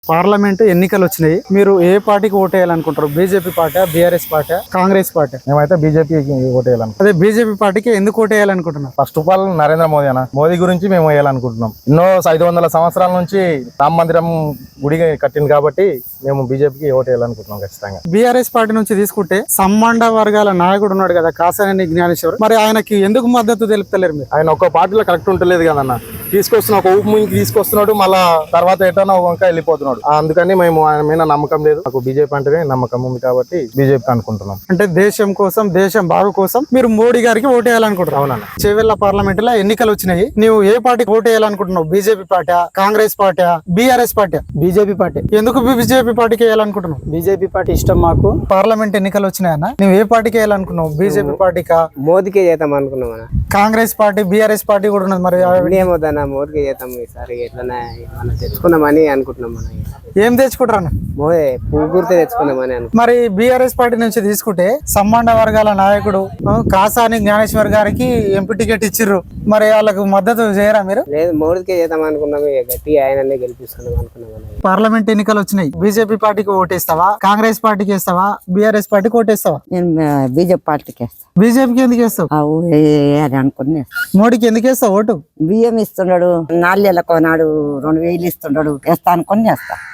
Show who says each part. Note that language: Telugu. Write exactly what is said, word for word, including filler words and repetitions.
Speaker 1: పార్లమెంట్ ఎన్నికలు వచ్చినాయి. మీరు ఏ పార్టీకి ఓటు వేయాలనుకుంటారు? BJP party, BRS party, Congress party?
Speaker 2: మేమైతే బీజేపీకి ఓటు వేయాలను.
Speaker 1: అదే బీజేపీ పార్టీకి ఎందుకు ఓటు వేయాలనుకుంటున్నారు?
Speaker 2: First of all Narendra Modi అన్న మోదీ గురించి మేము వేయాలనుకుంటున్నాం. ఎన్నో ఐదు వందల సంవత్సరాల నుంచి రామ మందిరం గుడి కట్టింది కాబట్టి మేము బీజేపీకి ఓటు వేయాలనుకుంటున్నాం ఖచ్చితంగా.
Speaker 1: బీఆర్ఎస్ పార్టీ నుంచి తీసుకుంటే సంబంధ వర్గాల నాయకుడు ఉన్నాడు కదా కాసాని జ్ఞానేశ్వర్, మరి ఆయనకి ఎందుకు మద్దతు తెలుపుతలేరు మీరు?
Speaker 2: ఆయన ఒక్క పార్టీలో కరెక్ట్ ఉంటలేదు కదన్న. తీసుకొస్తున్న ఒక ఊపు ముందుకు తీసుకొస్తున్నాడు, మళ్ళా తర్వాత ఎటన్నా ఒక వంక వెళ్ళిపోతున్నాడు. అందుకని మేము ఆయన మీద నమ్మకం లేదు. నాకు బీజేపీ అంటేనే నమ్మకం ఉంది కాబట్టి బీజేపీ అనుకుంటున్నాం.
Speaker 1: అంటే దేశం కోసం, దేశం బాగు కోసం మీరు మోడీ గారికి ఓటు వేయాలనుకుంటున్నావు.
Speaker 2: అవునన్న.
Speaker 1: చేవెళ్ల పార్లమెంట్ లో ఎన్నికలు వచ్చినాయి. నువ్వు ఏ పార్టీకి ఓటు వేయాలనుకుంటున్నావు? BJP party, Congress party, BRS party?
Speaker 3: BJP party.
Speaker 1: ఎందుకు బీజేపీ పార్టీకి వేయాలనుకుంటున్నావు?
Speaker 3: బీజేపీ పార్టీ ఇష్టం మాకు.
Speaker 1: పార్లమెంట్ ఎన్నికలు వచ్చినాయన్న, నువ్వు ఏ పార్టీకి వేయాలనుకున్నావు? బీజేపీ పార్టీకా,
Speaker 3: మోదీకే చేద్దాం అనుకున్నాం అన్న.
Speaker 1: కాంగ్రెస్ పార్టీ, బీఆర్ఎస్ పార్టీ కూడా ఉన్నది. మరి
Speaker 3: ఏమవుతానా మోదీకే చేద్దాం ఈసారి. ఎట్లనే మనం తెచ్చుకుందామని అనుకుంటున్నాం. మనం
Speaker 1: ఏం తెచ్చుకుంటారన్న?
Speaker 3: మోదీ పువ్వు గుర్తే తెచ్చుకుందామని అనుకుంటున్నాం.
Speaker 1: మరి బీఆర్ఎస్ పార్టీ నుంచి తీసుకుంటే సంబంధ వర్గాల నాయకుడు ఆ, కాసాని జ్ఞానేశ్వర్ గారికి ఎంపీ టికెట్ ఇచ్చిర్రు. మరి వాళ్ళకు మద్దతు చేయరా మీరు?
Speaker 3: లేదు, మోదీకే చేద్దాం అనుకున్నాం. ఇక గట్టి ఆయననే గెలిపిస్తున్నాం అనుకున్నాం అన్న.
Speaker 1: పార్లమెంట్ ఎన్నికలు వచ్చినాయి. బీజేపీ పార్టీకి ఓటేస్తావా, కాంగ్రెస్ పార్టీకి వేస్తావా, బీఆర్ఎస్ పార్టీకి ఓటేస్తావా?
Speaker 4: నేను బీజేపీ పార్టీకి వేస్తా.
Speaker 1: బీజేపీకి ఎందుకు వేస్తావు?
Speaker 4: అని అనుకుని
Speaker 1: మోడీకి ఎందుకు వేస్తావు ఓటు?
Speaker 4: బియ్యం ఇస్తున్నాడు, నాలుగేళ్ళకు నాడు రెండు వేలు ఇస్తున్నాడు, వేస్తా అనుకుని వేస్తా.